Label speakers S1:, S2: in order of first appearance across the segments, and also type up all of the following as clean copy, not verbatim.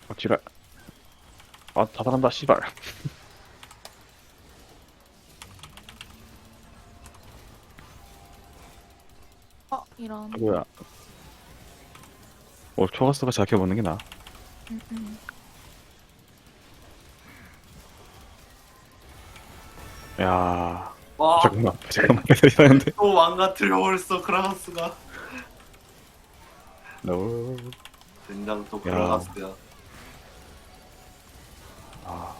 S1: 아, 지랄. 아, 자살한다, 씨발.
S2: 이런.
S1: 아, 뭐야. 초가스가 자격해보는 게 나아.
S2: 음, 음.
S1: 야
S3: 와,
S1: 잠깐만, 이상한데?
S3: 또 망가뜨려 버렸어, 크라가스가.
S1: 너,
S3: 된장 또
S1: 야,
S3: 크라가스야.
S1: 아,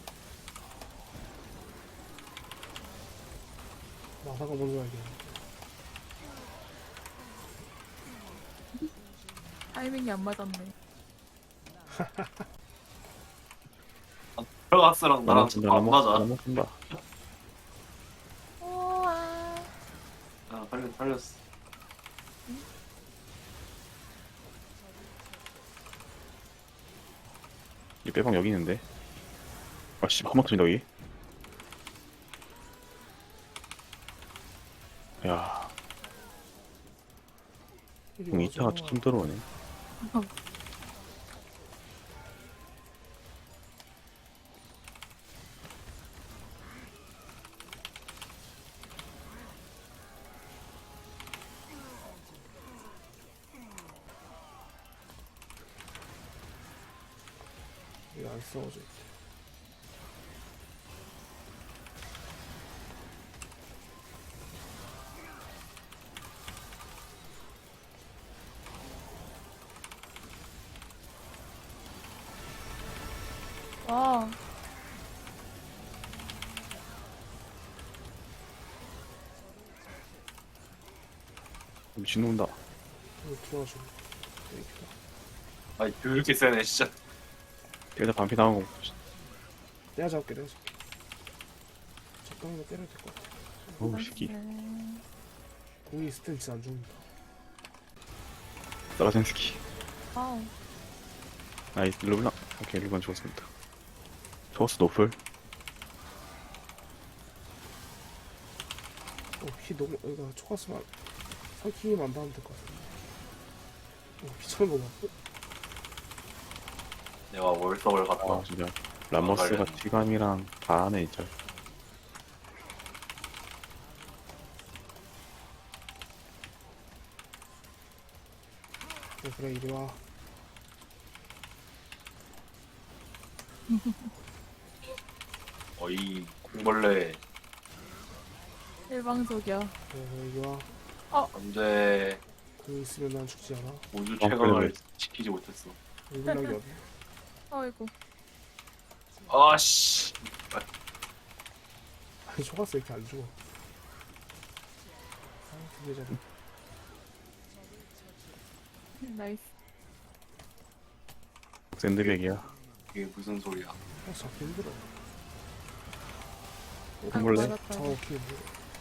S4: 마사가 먼저 알겠네.
S2: 타이밍이 안 맞았네.
S3: 크라가스랑 나랑 자꾸 안 맞아.
S1: 넘어간다.
S2: 우와.
S3: 아, 팔렸어.
S1: 이 빼방 여기 있는데. 아, 씨, 한번 터진다, 여기. 야,
S4: 이리
S1: 공
S4: 와줘.
S1: 2차가 좀 들어오네.
S4: 이게 안 싸워져 있대.
S2: 와.
S1: 미친 온다.
S4: 이거 도와줘. 이렇게.
S3: 아니, 그렇게 세네, 진짜.
S1: 여기다 반피 나오고.
S4: 내가 잡을게, 내가 잡을게. 적당히 때려야 될 것 같아.
S1: 어우, 새끼.
S4: 공이 있을 땐 진짜 안 죽는다.
S1: 사라젠스키.
S2: 와우.
S1: 나이스, 르블랑. 오케이, 르블랑 죽었습니다. 초가스 노플.
S4: 피 너무, 이거 초가스만, 삼키기만 받으면 될 것 같아. 피 차는 거 봐.
S3: 내가 월석을 갔다.
S1: 아, 진짜. 라머스가
S3: 갈렸네.
S1: 티감이랑 다 하네, 진짜.
S4: 그래, 이리 와.
S3: 어이, 콩벌레.
S2: 일방적이야.
S4: 그래, 이리 와.
S3: 안 돼.
S4: 공 있으면 난 죽지 않아.
S3: 우주
S1: 그래.
S3: 최강을 지키지 못했어.
S4: 일분락이 없네.
S2: 아이고.
S3: 아씨.
S4: 아니, 초가스 이렇게 안 죽어. 아, 두개 잡아.
S2: 나이스.
S1: 샌드백이야.
S3: 이게 무슨 소리야.
S4: 아, 잡기 힘들어.
S1: 콩벌레?
S2: 맞았다.
S4: 잡기 힘들어.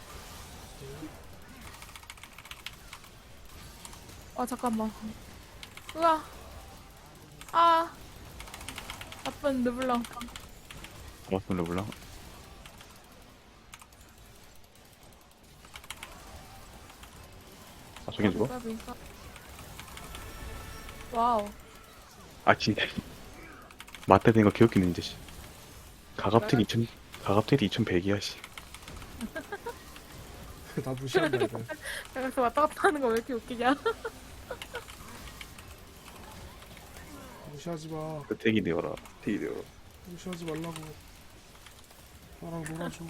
S2: 잠깐만. 우와. 아. 나쁜 르블랑.
S1: 라머스 르블랑. 아, 저긴 죽어?
S2: 까비. 와우.
S1: 아, 진짜. 맞대 된거 기억기는 이제, 씨. 가갑텔 2100이야, 씨.
S4: 나 무시한다, 이거.
S2: 그래서 왔다 갔다 하는 거 왜 이렇게 웃기냐?
S4: 무시하지 마.
S1: 그 택이 되어라. 택이 되어라.
S4: 무시하지 말라고. 나랑 놀아줘.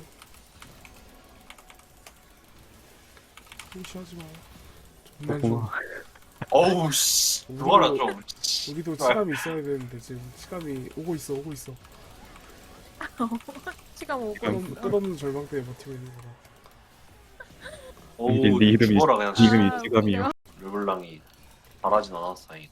S4: 무시하지 마. 정말 좀.
S1: 고마워.
S3: 어우, 씨. 누가라, 좀. 씨.
S4: 우리도 치감이 있어야 되는데 지금 치감이 오고 있어, 오고 있어.
S2: 시간 오고.
S4: 끝없는 절망 때문에 버티고 있는 거라.
S3: 어우,
S1: 네 이름이-
S3: 죽어라, 그냥.
S1: 네 이름이
S2: 아,
S1: 찌감이요.
S3: 르블랑이 잘하진 않았어, 다행.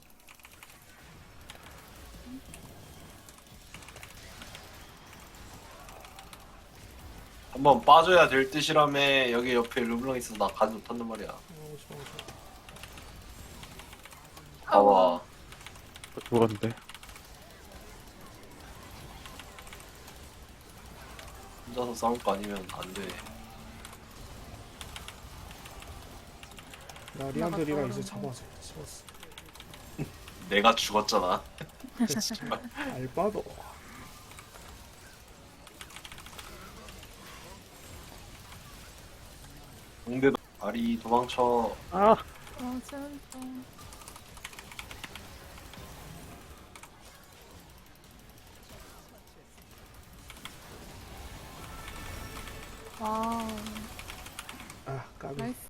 S3: 한번 빠져야 될 듯이라며. 여기 옆에 르블랑 있어서 나 가지 못한단 말이야.
S4: 좋아, 좋아.
S3: 봐봐.
S1: 죽었는데.
S3: 혼자서 싸울 거 아니면 안 돼.
S4: 나 리안드리가 이제 잡았어.
S2: 나갔다
S4: 잡았어.
S3: 내가 죽었잖아.
S4: 알바도.
S3: 공대도 아리 도망쳐.
S1: 아
S2: 아 진짜. 와우.
S4: 아 까비.
S2: 나이스.